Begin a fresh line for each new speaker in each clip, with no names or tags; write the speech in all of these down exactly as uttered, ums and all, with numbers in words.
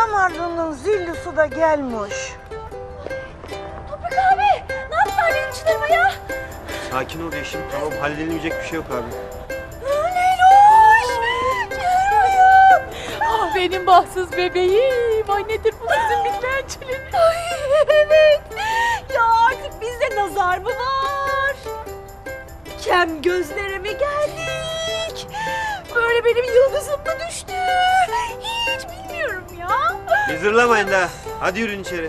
damarlının zillisi da gelmiş.
Toprak abi, ne yaptılar benim çılarıma ya?
Sakin ol Yeşim. Tamam, halledilecek bir şey yok abi.
Leyloş! Çılarıma. Ah benim bahtsız bebeğim. Ay nedir bu bizim bitmeyen. Ay evet. Ya artık bizde nazar mı var? Kem gözlere mi geldik? Böyle benim yıldızım mı düştü? Hiç bilmiyorum ya.
Bir zırlamayın daha. Hadi yürüyün içeri.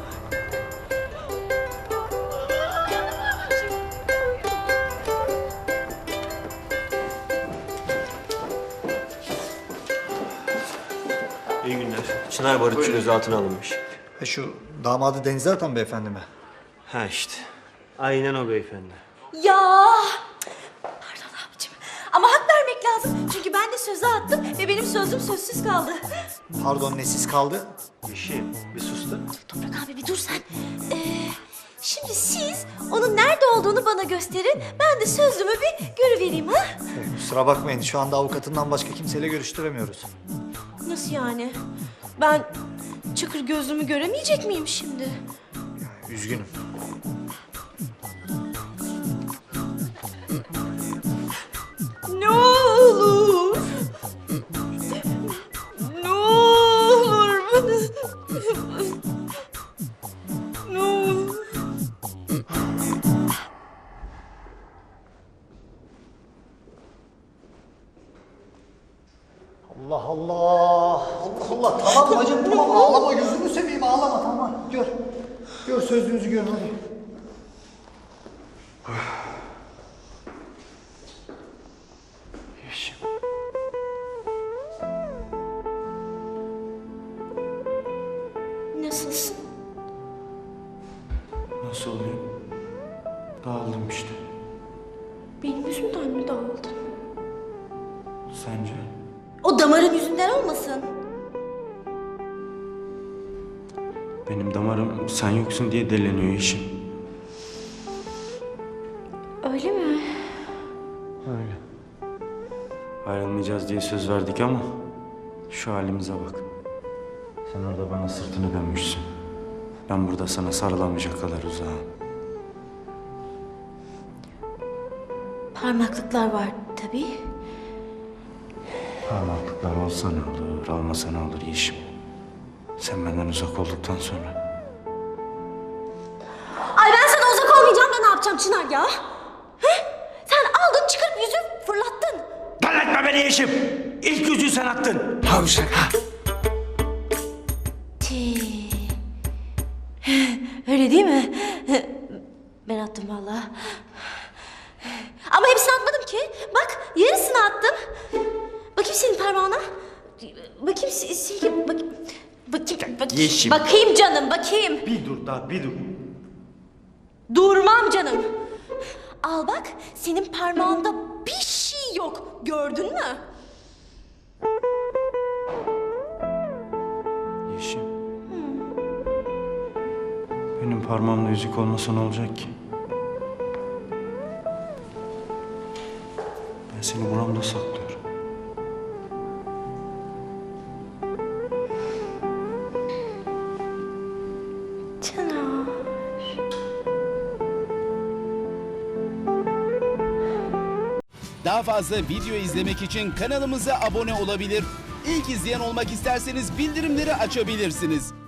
İyi günler. Çınar Barutçu gözaltına alınmış.
E şu damadı Denize Atan beyefendi mi?
Ha işte. Aynen o beyefendi.
Ya! Pardon abicim. Ama hak vermek lazım. Çünkü ben de söze attım ve benim sözüm sözsüz kaldı.
Pardon, nesiz kaldı?
Yeşim, bir sus da.
Toprak abi bir dur sen. Ee, şimdi siz onun nerede olduğunu bana gösterin. Ben de sözümü bir görüvereyim ha?
E, kusura bakmayın, şu anda avukatından başka kimseyle görüştüremiyoruz.
Nasıl yani? Ben çakır gözlümü göremeyecek miyim şimdi?
Üzgünüm.
Ne olur. Ne olur. Ne olur.
Allah Allah! Allah Allah! Tamam bacım, tamam, ağlama, gözünü seveyim, ağlama, tamam. Gör. Gör, sözünüzü görün hadi.
Yeşim.
Nasılsın?
Nasıl olayım? Dağıldım işte.
Benim yüzümden mi dağıldın?
Sence?
O damarın yüzünden olmasın.
Benim damarım sen yoksun diye deleniyor Yeşim.
Öyle mi?
Öyle. Ayrılmayacağız diye söz verdik ama şu halimize bak. Sen orada bana sırtını dönmüşsün. Ben burada sana sarılamayacak kadar uzağım.
Parmaklıklar var tabii.
Parmaklıklar olsa ne olur, olmasa ne olur Yeşim. Sen benden uzak olduktan sonra.
Ay ben sana uzak olmayacağım da ne yapacağım Çınar ya? He? Sen aldın çıkarıp yüzü fırlattın.
Parlatma beni Yeşim! İlk yüzüğü sen attın. Tavşak ha!
Tii. Öyle değil mi? Ben attım vallahi. Ama hepsini atmadım ki. Bak yarısını attım. Bakayım senin parmağına. Bakayım sil sil bak. Bakayım, bakayım.
Yeşim.
Bakayım canım bakayım.
Bir dur daha, bir dur.
Durmam canım. Al bak senin parmağında bir şey yok. Gördün mü?
Yeşim. Benim parmağımda yüzük olmasa ne olacak ki? Ben seni buramda saklıyorum.
Çınar.
Daha fazla video izlemek için kanalımıza abone olabilir. İlk izleyen olmak isterseniz bildirimleri açabilirsiniz.